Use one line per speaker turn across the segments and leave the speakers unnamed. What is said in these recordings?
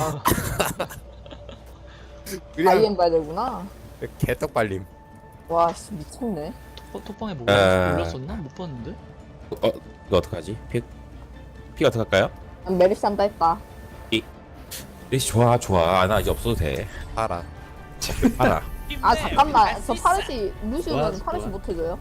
그냥
아이엠 봐야 되구나.
개떡 발림.
와, 씨, 미쳤네.
톡방에 뭐가 올렸었나? 못 봤는데?
이거 어떡하지? 픽 어떡할까요?
난 메리시 한다 했다.
리시 좋아 나 이제 없어도 돼.
알아.
알아.
아, 잠깐만. 저 파르시,
좋아,
루시우는
좋아.
파르시 못해줘요?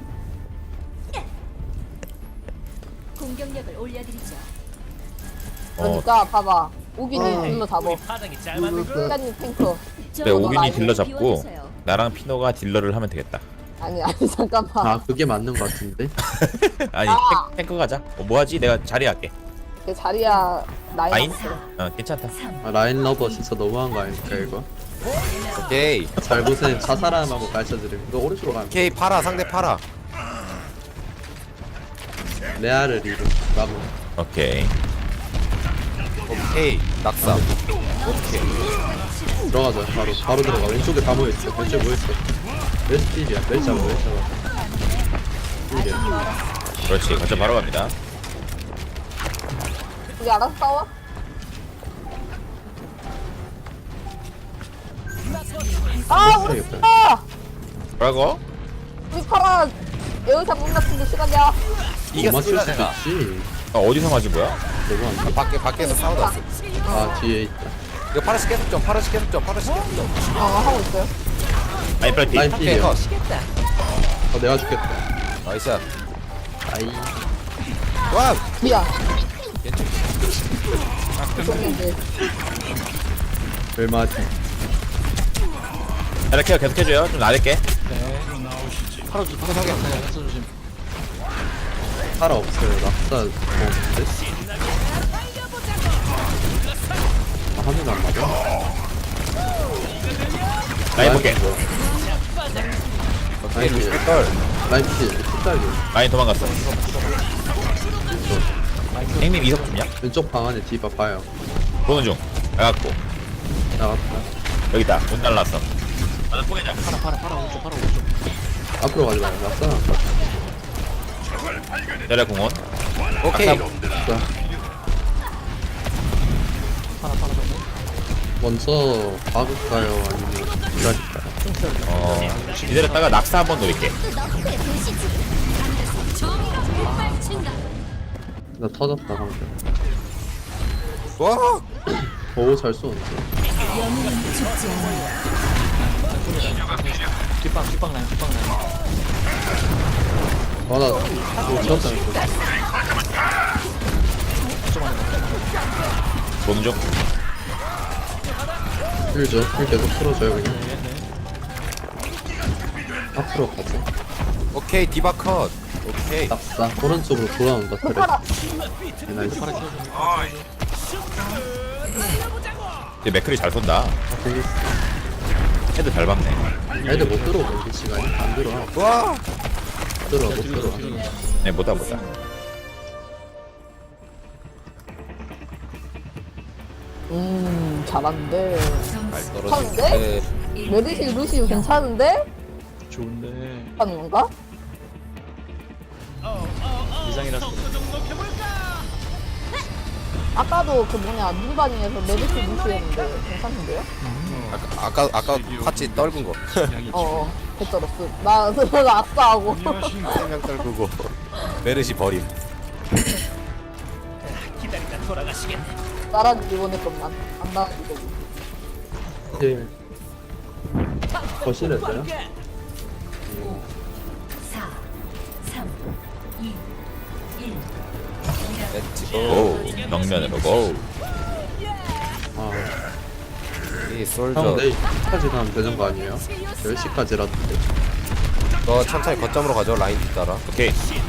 공격력을 올려드리죠.
그러니까, 봐봐. 오기는 딜러 잡어.
파장이 잘 맞는 거.
시간님 탱커.
네, 오균이
많이
딜러 잡고
비워주세요.
나랑 피노가 딜러를 하면 되겠다.
아니, 잠깐만.
아 그게 맞는 것 같은데?
아니 탱커 가자. 뭐하지? 내가 자리 할게.
내 자리야,
라인?
라인.
괜찮다.
아, 라인 러버 진짜 너무한 거 아닙니까 이거?
오케이.
잘 보세요. 자살하라고 가르쳐드림. 너 오른쪽으로 가면
오케이 파라 상대 파라.
레아를 이루 나무.
오케이.
오케이 낙사. 오케이.
들어가자. 바로 들어가. 왼쪽에 다 모여있어. 왼쪽에 모여있어. 왼쪽 딜이야. 왼쪽 잡아. 딜이야.
그렇지. 거점 바로 갑니다.
우리 알아서 싸워? 아, 우리
해야겠다.
파라!
뭐라고?
우리 파라 에어샷 못 맞춘 시간이야.
못
이겼습니다
맞출 수도
내가.
있지.
어디서 맞은 거야?
너무한다.
밖에서 싸우다 왔어.
아 뒤에 있다.
이거 파라시 계속 좀 파라시 계속 좀 파라시 계속 좀.
하고 있어요.
라인 빨리
라인
오케이
필이야.
컷.
내가 죽겠다.
나이스.
아이.
와.
미안.
괜찮.
좋은데.
얼마지?
이렇게 계속 해줘요. 좀 나댈게.
팔아 조심.
살아 없어요. 낙사 먹는데? 아 하늘 안 맞아?
라인 볼게.
오케이
라인 필.
루시컬.
라인 필. 숫자기.
라인 도망갔어. 형님 이석 좀냐?
왼쪽 방 안에 디바 봐요.
보는 중. 나갔고.
나갔다.
여기 있다. 못 날랐어. 나는 포개자.
팔아 오른쪽.
앞으로 가지 마요. 낙사 나갔다.
내려 공원.
오케이.
아까
자,
팔아
먼저 박을까요? 아니면 기다릴까요?
기다렸다가 낙사 한번 노릴게.
나 터졌다 방금.
와.
오, 잘 쏘는데.
뒷방 라인.
아, 나 이거 쳤다 이거.
보는 중.
힐 계속 풀어줘요 그냥. 앞으로 가자.
오케이 디바 컷. 오케이.
낙사. 오른쪽으로 돌아온다 그래.
파라.
나이스.
이제 맥클이 잘 쏜다.
아, 되게
헤드 잘 박네.
애들 못 들어오고 이게 시간이 안 들어와.
와.
못 들어와.
네, 못다.
잘하는데.
잘 떨어지는데.
메르시 루시우 괜찮은데?
좋은데
하는 건가?
이상이라서
아까도 그 뭐냐, 눈반이에서 메르시 루시우였는데 괜찮은데요?
아까 파치 떨군 거.
개쩔었어. 나 아싸하고.
한명 떨구고. 메르시 버림.
기다리다 돌아가시겠네.
나라지 원했건만. 안 나라지고.
힐. 거실했어요?
4, 3, 2, 1.
렛츠고.
오, 정면으로 고.
아,
이
형
솔저.
내일 10시까지 가면 되는 거 아니에요? 10시까지라도 돼.
너 천천히 거점으로 가죠 라인 따라.
오케이.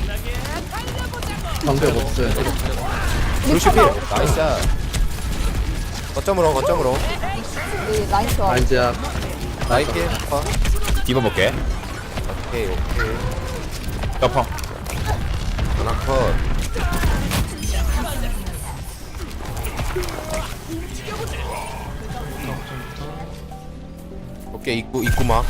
방벽 없어요.
루시필. 나이스. 거점으로.
우리 라인 좋아.
아, 이제
라인 필. 컷.
디바 볼게.
오케이.
덮어.
하나 컷. 오케이 입구 막.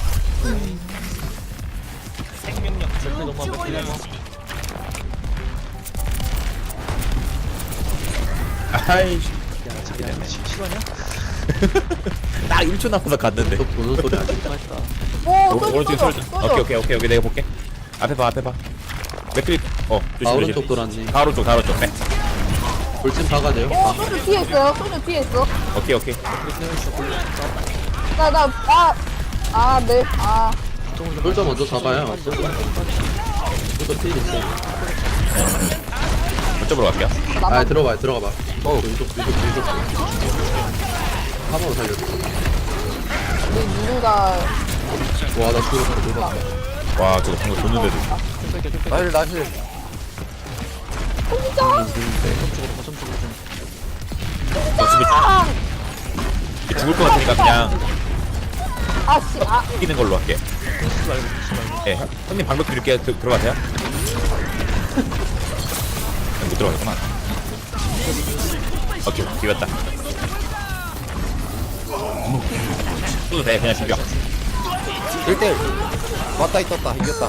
생명력
너무 완벽해.
아이
야 자기야 실화냐?
딱 1초 남아서 갔는데.
또 보는 소리 아니야?
맞다.
오,
오른쪽에
쏘죠,
쏠. 오케이 내가 볼게. 앞에 봐. 맥크리. 조심.
아 오른쪽 돌았네.
다 오른쪽. 네.
돌진 박아야 돼요.
오, 쏘죠 뒤에 있어요. 쏘죠 뒤에 있어.
오케이.
네.
돌자 먼저 잡아요. 돌자 필 있어.
이쪽으로 갈게요.
아 들어가봐. 왼쪽. 한번 살려줘.
우리 누누가
와나 죽었어.
와 저거 방금 줬는데도.
나힐
어차피 죽을 것 같으니까 그냥 이기는 걸로 할게. 예, 형님 방벽 드릴게요. 들어가세요. 못 들어가겠구나. 오케이, 비겼다. 쏘도 돼, 그냥 비벼.
1대1 왔다 있었다 이겼다.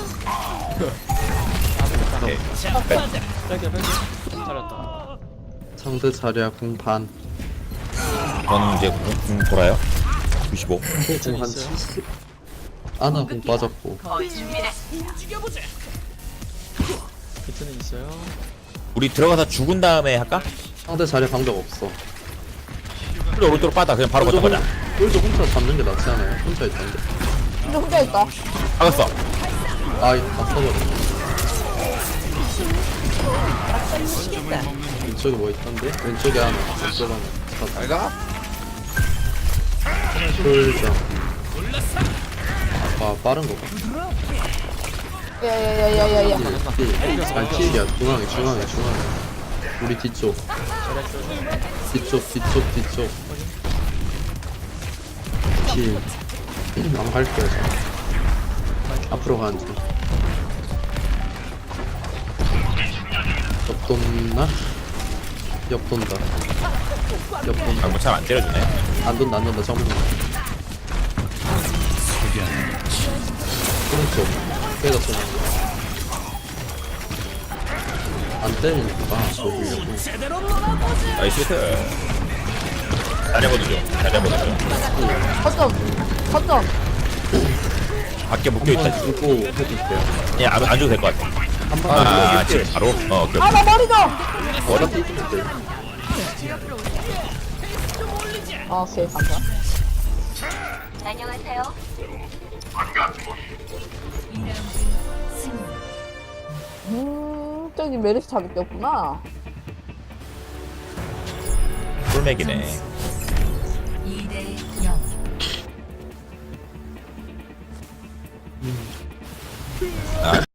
오케이.
빨개 잘했다.
상대 자리야 공반.
저는 이제 공 돌아요. 95.
공한 70. 아나 공 빠졌고.
비트는 있어요.
우리 들어가서 죽은 다음에 할까?
상대 자리 방벽 없어.
우리 오른쪽으로 빠다. 그냥 바로 걷다 가자.
돌자 혼자 잡는 게 낫지 않아요? 혼자 있던데.
근데 혼자 있다.
박았어.
아 써버려. 왼쪽에 뭐 있던데? 왼쪽에 하나. 왼쪽 하나.
잘가?
돌자. 아 빠른 거 봐.
야야야야야야.
아니 킬이야. 중앙에. 우리 뒤쪽. 킬. 안 갈게요. 저. 앞으로 가는 중. 옆 돈다.
방금 참 안 때려주네.
안 돈다. 정문. 오른쪽. 깨졌어. 안 때리니까 저기려고.
나이스 히트. 잘 잡아두죠.
거점.
밖에 묶여있다.
주고 해줄게요.
그냥 안 줘도 될 것 같아.
한번
지금 바로? 오케이.
나 머리 좀.
워낙 뛰면 돼.
오케이 감사.
안녕하세요.
저기 메르시 잡을 게 없구나.
꿀맥이네.
2대 0.
아,